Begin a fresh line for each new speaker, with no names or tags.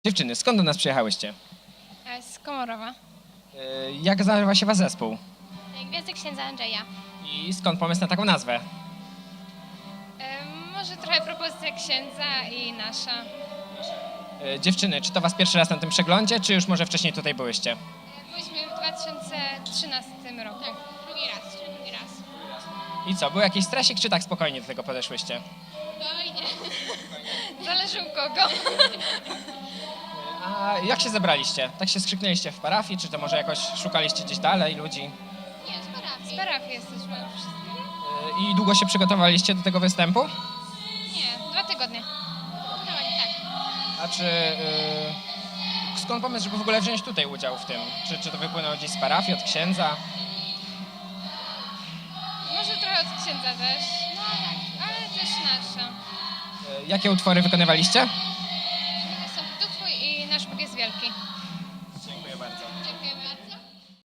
Dziewczyny, skąd do nas przyjechałyście?
Z Komorowa.
Jak nazywa się wasz zespół?
Gwiazdy księdza Andrzeja.
I skąd pomysł na taką nazwę?
Może trochę propozycja księdza i nasza.
Dziewczyny, czy to was pierwszy raz na tym przeglądzie, czy już może wcześniej tutaj byłyście?
Byliśmy w 2013 roku. Tak, drugi raz.
I co, był jakiś stresik, czy tak spokojnie do tego podeszłyście?
Spokojnie. Zależy u kogo.
A jak się zebraliście? Tak się skrzyknęliście w parafii, czy to może jakoś szukaliście gdzieś dalej ludzi?
Nie, z parafii. Z parafii jesteśmy wszyscy.
I długo się przygotowaliście do tego występu?
Nie, 2 tygodnie. Tak.
A czy... skąd pomysł, żeby w ogóle wziąć tutaj udział w tym? Czy to wypłynęło gdzieś z parafii, od księdza?
Może trochę od księdza też. No tak, ale też nasza.
Jakie utwory wykonywaliście?
Są Duch Twój i Nasz Bóg jest wielki.
Dziękuję bardzo.